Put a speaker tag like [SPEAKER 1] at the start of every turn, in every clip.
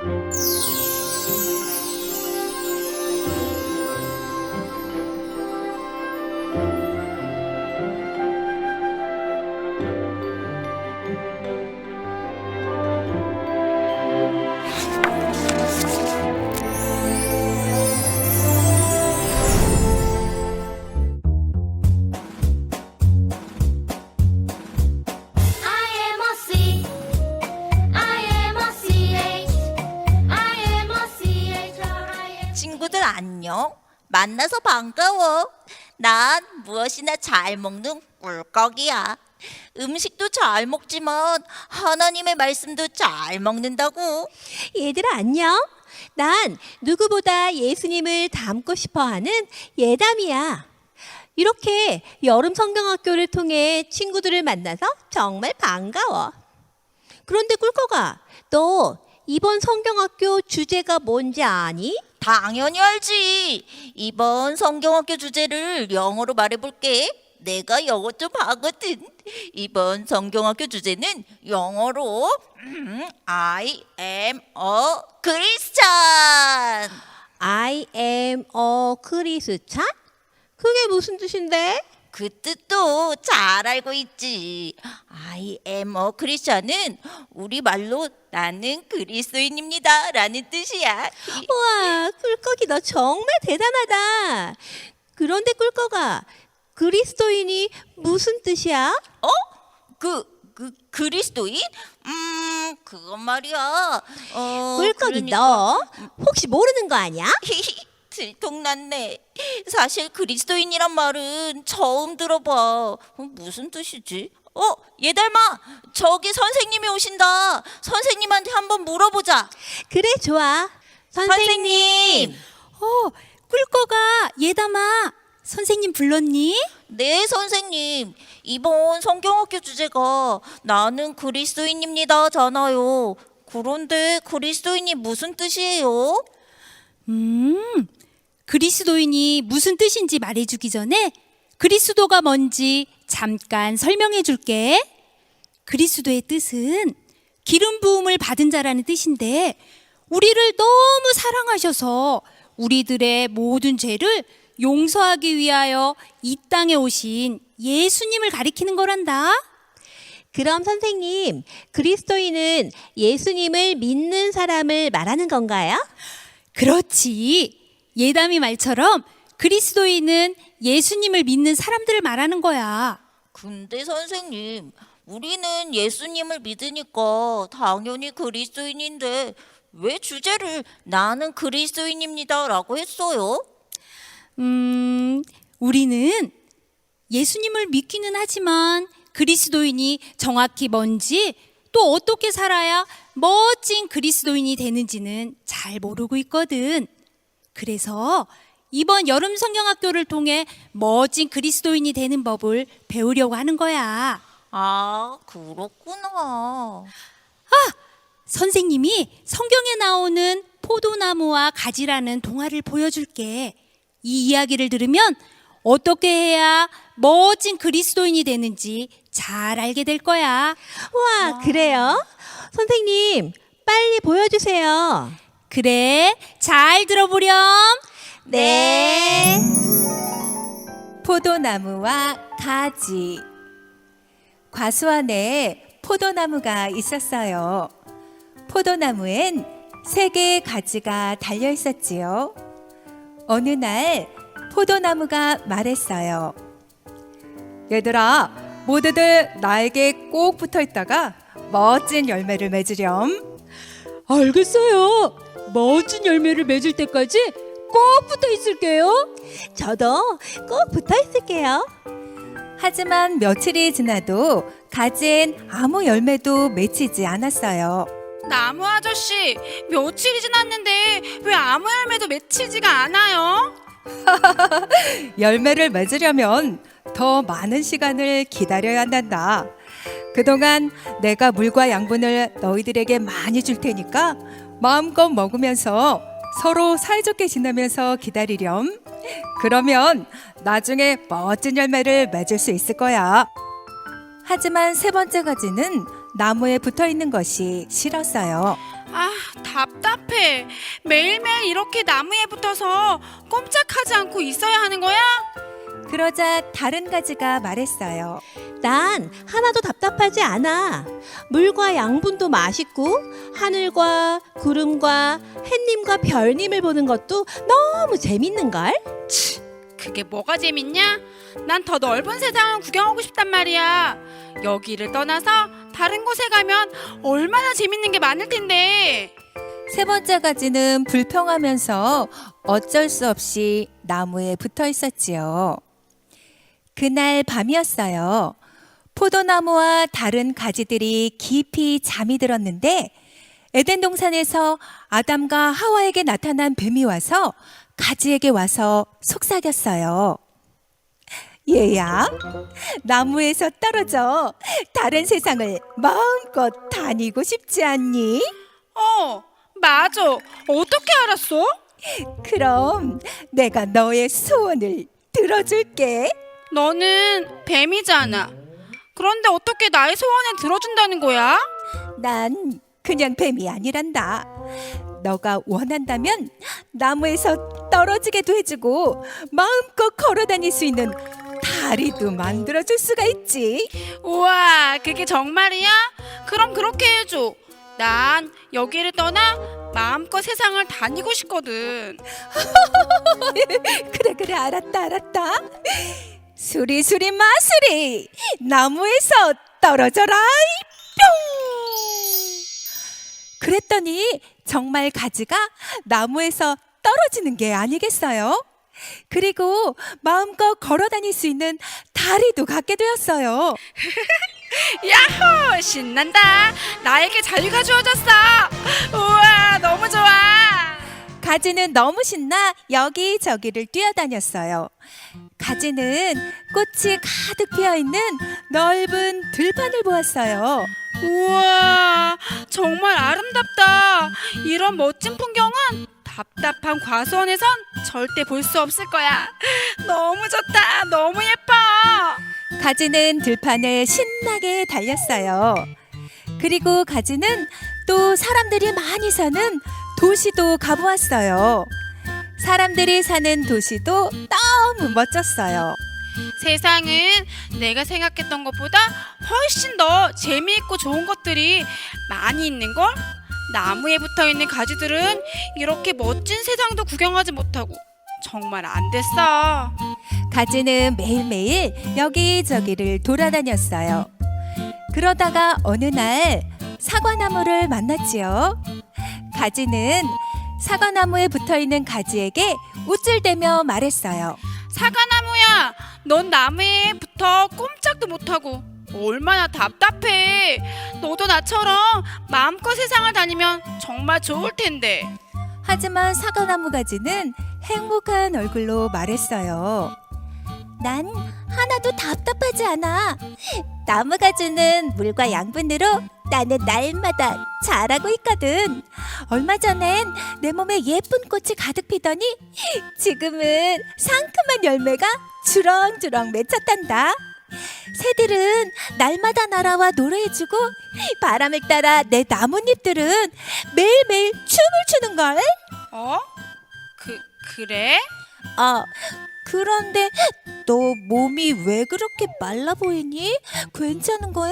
[SPEAKER 1] 친구들 안녕. 만나서 반가워. 난 무엇이나 잘 먹는 꿀꺽이야. 음식도 잘 먹지만 하나님의 말씀도 잘 먹는다고.
[SPEAKER 2] 얘들아 안녕. 난 누구보다 예수님을 닮고 싶어하는 예담이야. 이렇게 여름 성경학교를 통해 친구들을 만나서 정말 반가워. 그런데 꿀꺽아, 너 이번 성경학교 주제가 뭔지 아니?
[SPEAKER 1] 당연히 알지. 이번 성경학교 주제를 영어로 말해볼게. 내가 영어 좀 하거든. 이번 성경학교 주제는 영어로 I am a Christian.
[SPEAKER 2] I am a Christian? 그게 무슨 뜻인데?
[SPEAKER 1] 그 뜻도 잘 알고 있지. I am a Christian은 우리말로 나는 그리스도인입니다 라는 뜻이야.
[SPEAKER 2] 우와, 꿀꺽이 너 정말 대단하다. 그런데 꿀꺽아, 그리스도인이 무슨 뜻이야?
[SPEAKER 1] 그리스도인? 그건 말이야.
[SPEAKER 2] 꿀꺽이 너 혹시 모르는 거 아니야?
[SPEAKER 1] 들통났네. 사실 그리스도인이란 말은 처음 들어봐. 무슨 뜻이지? 얘들마, 저기 선생님이 오신다. 선생님한테 한번 물어보자.
[SPEAKER 2] 그래, 좋아. 선생님.
[SPEAKER 3] 꿀꺽아, 예담아, 선생님 불렀니?
[SPEAKER 1] 네, 선생님. 이번 성경학교 주제가 나는 그리스도인입니다잖아요. 그런데 그리스도인이 무슨 뜻이에요?
[SPEAKER 3] 그리스도인이 무슨 뜻인지 말해주기 전에 그리스도가 뭔지 잠깐 설명해 줄게. 그리스도의 뜻은 기름 부음을 받은 자라는 뜻인데, 우리를 너무 사랑하셔서 우리들의 모든 죄를 용서하기 위하여 이 땅에 오신 예수님을 가리키는 거란다.
[SPEAKER 2] 그럼 선생님, 그리스도인은 예수님을 믿는 사람을 말하는 건가요?
[SPEAKER 3] 그렇지. 예담이 말처럼 그리스도인은 예수님을 믿는 사람들을 말하는 거야.
[SPEAKER 1] 근데 선생님, 우리는 예수님을 믿으니까 당연히 그리스도인인데 왜 주제를 나는 그리스도인입니다 라고 했어요?
[SPEAKER 3] 우리는 예수님을 믿기는 하지만 그리스도인이 정확히 뭔지, 또 어떻게 살아야 멋진 그리스도인이 되는지는 잘 모르고 있거든. 그래서 이번 여름 성경학교를 통해 멋진 그리스도인이 되는 법을 배우려고 하는 거야.
[SPEAKER 1] 아, 그렇구나.
[SPEAKER 3] 선생님이 성경에 나오는 포도나무와 가지라는 동화를 보여줄게. 이 이야기를 들으면 어떻게 해야 멋진 그리스도인이 되는지 잘 알게 될 거야.
[SPEAKER 2] 와, 그래요? 선생님, 빨리 보여주세요.
[SPEAKER 3] 그래, 잘 들어보렴.
[SPEAKER 2] 네.
[SPEAKER 4] 포도나무와 가지. 과수 안에 포도나무가 있었어요. 포도나무엔 3개의 가지가 달려 있었지요. 어느 날 포도나무가 말했어요. 얘들아, 모두들 나에게 꼭 붙어 있다가 멋진 열매를 맺으렴.
[SPEAKER 5] 알겠어요. 멋진 열매를 맺을 때까지 꼭 붙어 있을게요.
[SPEAKER 2] 저도 꼭 붙어 있을게요.
[SPEAKER 4] 하지만 며칠이 지나도 가지엔 아무 열매도 맺히지 않았어요.
[SPEAKER 6] 나무 아저씨, 며칠이 지났는데 왜 아무 열매도 맺히지가 않아요?
[SPEAKER 4] 열매를 맺으려면 더 많은 시간을 기다려야 한단다. 그동안 내가 물과 양분을 너희들에게 많이 줄 테니까 마음껏 먹으면서 서로 사이좋게 지내면서 기다리렴. 그러면 나중에 멋진 열매를 맺을 수 있을 거야. 하지만 3번째 가지는 나무에 붙어 있는 것이 싫었어요.
[SPEAKER 6] 아, 답답해. 매일매일 이렇게 나무에 붙어서 꼼짝하지 않고 있어야 하는 거야?
[SPEAKER 4] 그러자 다른 가지가 말했어요.
[SPEAKER 2] 난 하나도 답답하지 않아. 물과 양분도 맛있고 하늘과 구름과 햇님과 별님을 보는 것도 너무 재밌는걸?
[SPEAKER 6] 그게 뭐가 재밌냐? 난 더 넓은 세상을 구경하고 싶단 말이야. 여기를 떠나서 다른 곳에 가면 얼마나 재밌는 게 많을 텐데.
[SPEAKER 4] 세 번째 가지는 불평하면서 어쩔 수 없이 나무에 붙어 있었지요. 그날 밤이었어요. 포도나무와 다른 가지들이 깊이 잠이 들었는데 에덴 동산에서 아담과 하와에게 나타난 뱀이 와서 가지에게 와서 속삭였어요. 얘야, 나무에서 떨어져 다른 세상을 마음껏 다니고 싶지 않니?
[SPEAKER 6] 맞아. 어떻게 알았어?
[SPEAKER 4] 그럼 내가 너의 소원을 들어줄게.
[SPEAKER 6] 너는 뱀이잖아. 그런데 어떻게 나의 소원을 들어준다는 거야?
[SPEAKER 4] 난 그냥 뱀이 아니란다. 너가 원한다면 나무에서 떨어지게도 해주고 마음껏 걸어 다닐 수 있는 다리도 만들어줄 수가 있지.
[SPEAKER 6] 우와, 그게 정말이야? 그럼 그렇게 해줘. 난 여기를 떠나 마음껏 세상을 다니고 싶거든.
[SPEAKER 4] 그래 알았다. 수리수리 마수리 나무에서 떨어져라 뿅. 그랬더니 정말 가지가 나무에서 떨어지는 게 아니겠어요? 그리고 마음껏 걸어 다닐 수 있는 다리도 갖게 되었어요.
[SPEAKER 6] 야호! 신난다. 나에게 자유가 주어졌어. 우와, 너무 좋아.
[SPEAKER 4] 가지는 너무 신나 여기저기를 뛰어다녔어요. 가지는 꽃이 가득 피어있는 넓은 들판을 보았어요.
[SPEAKER 6] 우와, 정말 아름답다. 이런 멋진 풍경은 답답한 과수원에선 절대 볼 수 없을 거야. 너무 좋다. 너무 예뻐.
[SPEAKER 4] 가지는 들판을 신나게 달렸어요. 그리고 가지는 또 사람들이 많이 사는 도시도 가보았어요. 사람들이 사는 도시도 너무 멋졌어요.
[SPEAKER 6] 세상은 내가 생각했던 것보다 훨씬 더 재미있고 좋은 것들이 많이 있는걸? 나무에 붙어있는 가지들은 이렇게 멋진 세상도 구경하지 못하고 정말 안 됐어.
[SPEAKER 4] 가지는 매일매일 여기저기를 돌아다녔어요. 그러다가 어느 날 사과나무를 만났지요. 가지는 사과나무에 붙어있는 가지에게 우쭐대며 말했어요.
[SPEAKER 6] 사과나무야, 넌 나무에 붙어 꼼짝도 못하고 얼마나 답답해. 너도 나처럼 마음껏 세상을 다니면 정말 좋을 텐데.
[SPEAKER 4] 하지만 사과나무 가지는 행복한 얼굴로 말했어요. 난 하나도 답답하지 않아. 나무가 주는 물과 양분으로 나는 날마다 자라고 있거든. 얼마 전엔 내 몸에 예쁜 꽃이 가득 피더니 지금은 상큼한 열매가 주렁주렁 맺혔단다. 새들은 날마다 날아와 노래해주고 바람을 따라 내 나뭇잎들은 매일매일 춤을 추는걸.
[SPEAKER 6] 그래?
[SPEAKER 4] 그런데 너 몸이 왜 그렇게 말라 보이니? 괜찮은 거야?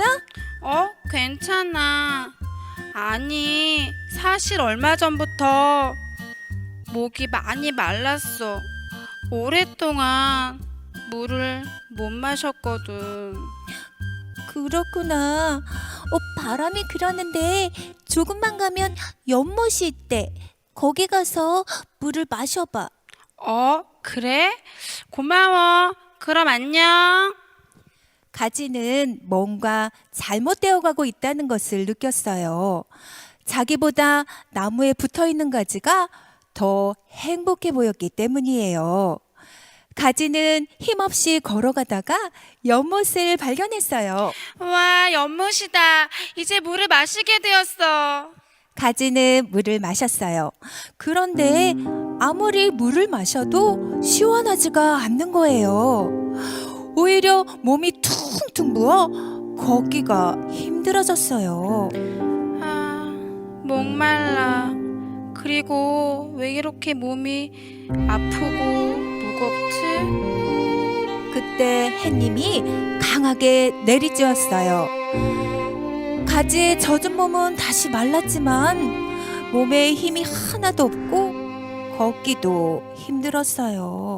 [SPEAKER 6] 괜찮아. 아니, 사실 얼마 전부터 목이 많이 말랐어. 오랫동안 물을 못 마셨거든.
[SPEAKER 4] 그렇구나. 바람이 그러는데 조금만 가면 연못이 있대. 거기 가서 물을 마셔봐.
[SPEAKER 6] 그래? 고마워. 그럼 안녕.
[SPEAKER 4] 가지는 뭔가 잘못되어 가고 있다는 것을 느꼈어요. 자기보다 나무에 붙어 있는 가지가 더 행복해 보였기 때문이에요. 가지는 힘없이 걸어가다가 연못을 발견했어요.
[SPEAKER 6] 와, 연못이다. 이제 물을 마시게 되었어.
[SPEAKER 4] 가지는 물을 마셨어요. 그런데 아무리 물을 마셔도 시원하지가 않는 거예요. 오히려 몸이 퉁퉁 부어 걷기가 힘들어졌어요.
[SPEAKER 6] 아, 목말라. 그리고 왜 이렇게 몸이 아프고 무겁지?
[SPEAKER 4] 그때 햇님이 강하게 내리쬐었어요. 가지에 젖은 몸은 다시 말랐지만 몸에 힘이 하나도 없고 걷기도 힘들었어요.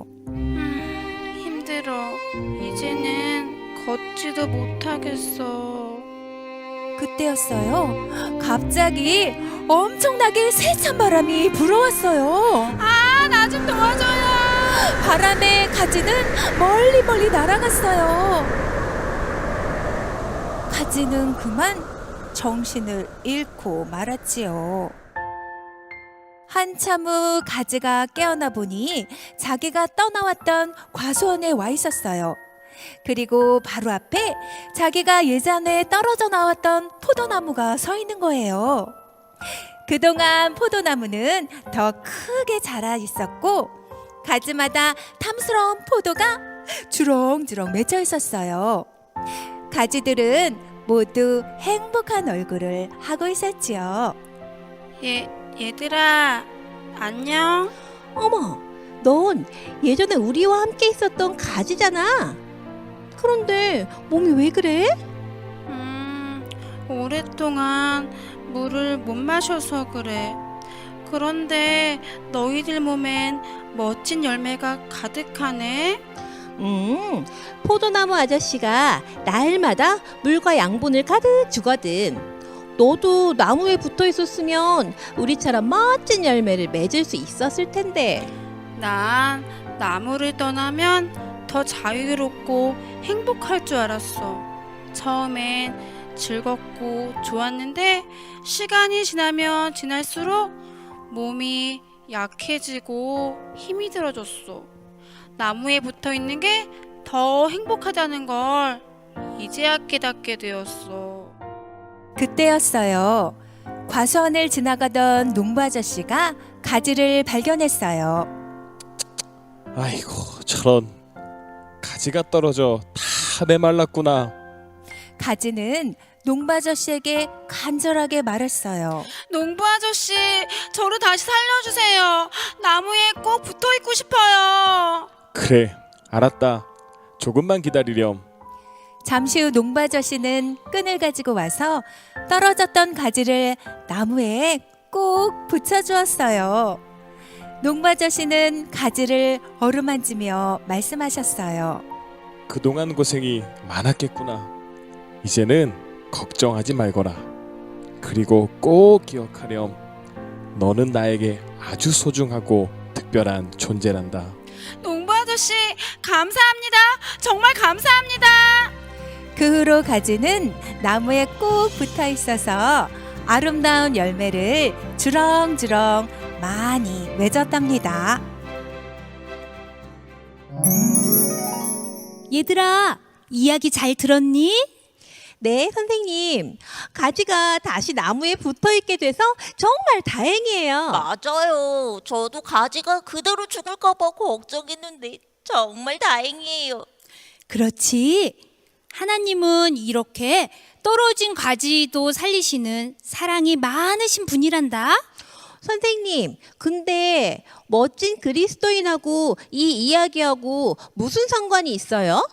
[SPEAKER 6] 힘들어. 이제는 걷지도 못하겠어.
[SPEAKER 4] 그때였어요. 갑자기 엄청나게 세찬 바람이 불어왔어요.
[SPEAKER 6] 아, 나 좀 도와줘요.
[SPEAKER 4] 바람에 가지는 멀리 멀리 날아갔어요. 가지는 그만 정신을 잃고 말았지요. 한참 후 가지가 깨어나 보니 자기가 떠나왔던 과수원에 와 있었어요. 그리고 바로 앞에 자기가 예전에 떨어져 나왔던 포도나무가 서 있는 거예요. 그동안 포도나무는 더 크게 자라 있었고 가지마다 탐스러운 포도가 주렁주렁 맺혀 있었어요. 가지들은 모두 행복한 얼굴을 하고 있었지요.
[SPEAKER 6] 얘들아, 안녕?
[SPEAKER 2] 어머, 넌 예전에 우리와 함께 있었던 가지잖아. 그런데 몸이 왜 그래?
[SPEAKER 6] 오랫동안 물을 못 마셔서 그래. 그런데 너희들 몸엔 멋진 열매가 가득하네.
[SPEAKER 2] 포도나무 아저씨가 날마다 물과 양분을 가득 주거든. 너도 나무에 붙어 있었으면 우리처럼 멋진 열매를 맺을 수 있었을 텐데.
[SPEAKER 6] 난 나무를 떠나면 더 자유롭고 행복할 줄 알았어. 처음엔 즐겁고 좋았는데 시간이 지나면 지날수록 몸이 약해지고 힘이 들어졌어. 나무에 붙어 있는 게 더 행복하다는 걸 이제야 깨닫게 되었어.
[SPEAKER 4] 그때였어요. 과수원을 지나가던 농부 아저씨가 가지를 발견했어요.
[SPEAKER 7] 아이고, 저런. 가지가 떨어져 다 메말랐구나.
[SPEAKER 4] 가지는 농부 아저씨에게 간절하게 말했어요.
[SPEAKER 6] 농부 아저씨, 저를 다시 살려주세요. 나무에 꼭 붙어 있고 싶어요.
[SPEAKER 7] 그래, 알았다. 조금만 기다리렴.
[SPEAKER 4] 잠시 후 농부 아저씨는 끈을 가지고 와서 떨어졌던 가지를 나무에 꼭 붙여주었어요. 농부 아저씨는 가지를 어루만지며 말씀하셨어요.
[SPEAKER 7] 그동안 고생이 많았겠구나. 이제는 걱정하지 말거라. 그리고 꼭 기억하렴. 너는 나에게 아주 소중하고 특별한 존재란다.
[SPEAKER 6] 농부 아저씨, 감사합니다. 정말 감사합니다.
[SPEAKER 4] 그 후로 가지는 나무에 꼭 붙어 있어서 아름다운 열매를 주렁주렁 많이 맺었답니다.
[SPEAKER 3] 얘들아, 이야기 잘 들었니?
[SPEAKER 2] 네, 선생님. 가지가 다시 나무에 붙어 있게 돼서 정말 다행이에요.
[SPEAKER 1] 맞아요. 저도 가지가 그대로 죽을까 봐 걱정했는데 정말 다행이에요.
[SPEAKER 3] 그렇지. 하나님은 이렇게 떨어진 가지도 살리시는 사랑이 많으신 분이란다.
[SPEAKER 2] 선생님, 근데 멋진 그리스도인하고 이 이야기하고 무슨 상관이 있어요?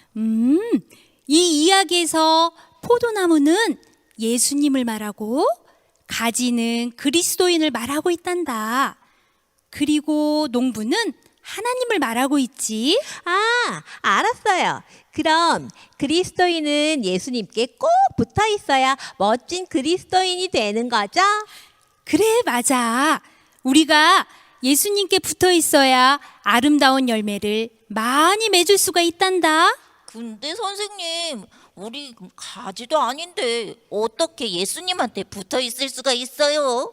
[SPEAKER 3] 이 이야기에서 포도나무는 예수님을 말하고 가지는 그리스도인을 말하고 있단다. 그리고 농부는 하나님을 말하고 있지.
[SPEAKER 2] 아, 알았어요. 그럼 그리스도인은 예수님께 꼭 붙어 있어야 멋진 그리스도인이 되는 거죠?
[SPEAKER 3] 그래, 맞아. 우리가 예수님께 붙어 있어야 아름다운 열매를 많이 맺을 수가 있단다.
[SPEAKER 1] 근데 선생님, 우리 가지도 아닌데 어떻게 예수님한테 붙어 있을 수가 있어요?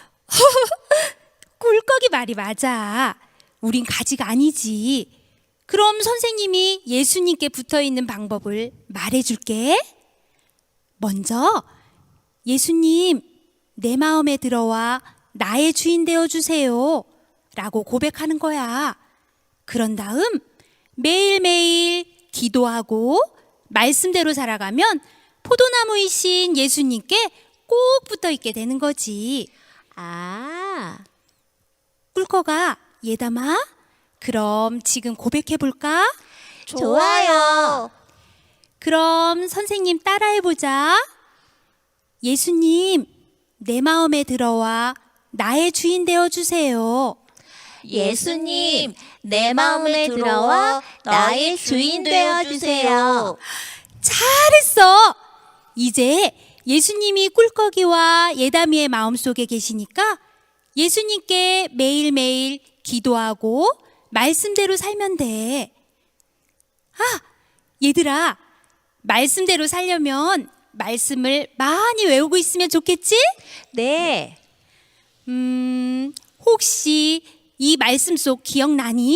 [SPEAKER 3] 꿀꺽이 말이 맞아. 우린 가지가 아니지. 그럼 선생님이 예수님께 붙어 있는 방법을 말해줄게. 먼저, 예수님, 내 마음에 들어와 나의 주인 되어 주세요. 라고 고백하는 거야. 그런 다음 매일매일 기도하고 말씀대로 살아가면 포도나무이신 예수님께 꼭 붙어 있게 되는 거지.
[SPEAKER 2] 아,
[SPEAKER 3] 꿀꺽아, 예담아, 그럼 지금 고백해 볼까?
[SPEAKER 1] 좋아요.
[SPEAKER 3] 그럼 선생님 따라해 보자. 예수님, 내 마음에 들어와 나의 주인 되어 주세요.
[SPEAKER 1] 예수님, 내 마음에 들어와 나의 주인 되어 주세요.
[SPEAKER 3] 잘했어. 이제 예수님이 꿀꺽이와 예담이의 마음속에 계시니까 예수님께 매일매일 기도하고 말씀대로 살면 돼. 아, 얘들아, 말씀대로 살려면 말씀을 많이 외우고 있으면 좋겠지?
[SPEAKER 2] 네.
[SPEAKER 3] 혹시 이 말씀 속 기억나니?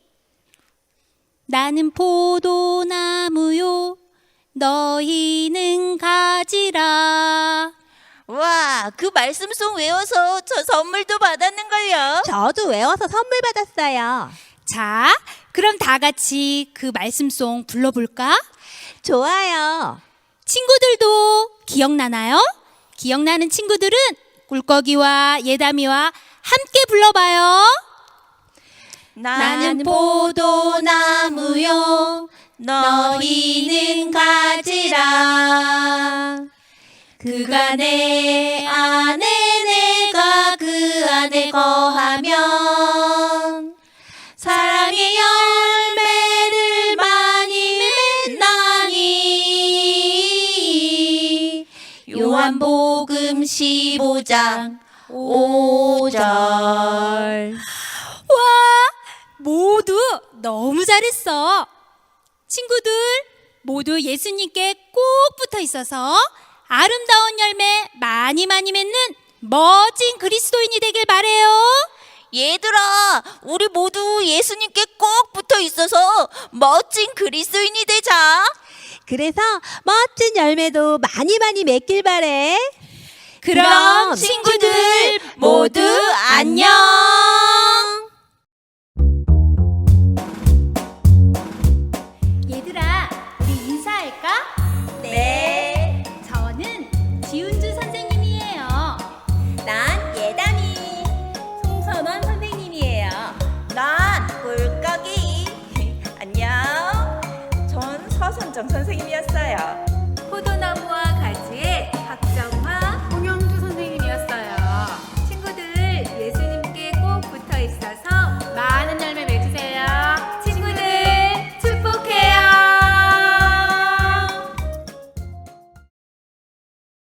[SPEAKER 3] 나는 포도나무요, 너희는 가지라.
[SPEAKER 1] 와, 그 말씀송 외워서 저 선물도 받았는걸요.
[SPEAKER 2] 저도 외워서 선물 받았어요.
[SPEAKER 3] 자, 그럼 다 같이 그 말씀송 불러볼까?
[SPEAKER 2] 좋아요.
[SPEAKER 3] 친구들도 기억나나요? 기억나는 친구들은 꿀꺽이와 예담이와 함께 불러봐요.
[SPEAKER 1] 나는 포도나무요, 너희는 가지라. 그가 내 안에 내가 그 안에 거하면 사랑의 열매를 많이 맺나니. 요한복음 15장 5절.
[SPEAKER 3] 와, 모두 너무 잘했어. 친구들 모두 예수님께 꼭 붙어 있어서 아름다운 열매 많이 맺는 멋진 그리스도인이 되길 바래요.
[SPEAKER 1] 얘들아, 우리 모두 예수님께 꼭 붙어 있어서 멋진 그리스도인이 되자.
[SPEAKER 2] 그래서 멋진 열매도 많이 맺길 바래.
[SPEAKER 3] 그럼
[SPEAKER 1] 친구들 모두 안녕.
[SPEAKER 3] 얘들아, 우리 인사할까?
[SPEAKER 1] 네.
[SPEAKER 3] 저는 지훈주 선생님이에요.
[SPEAKER 1] 난 예담이.
[SPEAKER 2] 송선원 선생님이에요.
[SPEAKER 1] 난 꿀꺽이. 안녕.
[SPEAKER 8] 전 서순정 선생님이었어요.
[SPEAKER 4] 포도나무와 가지의 박정화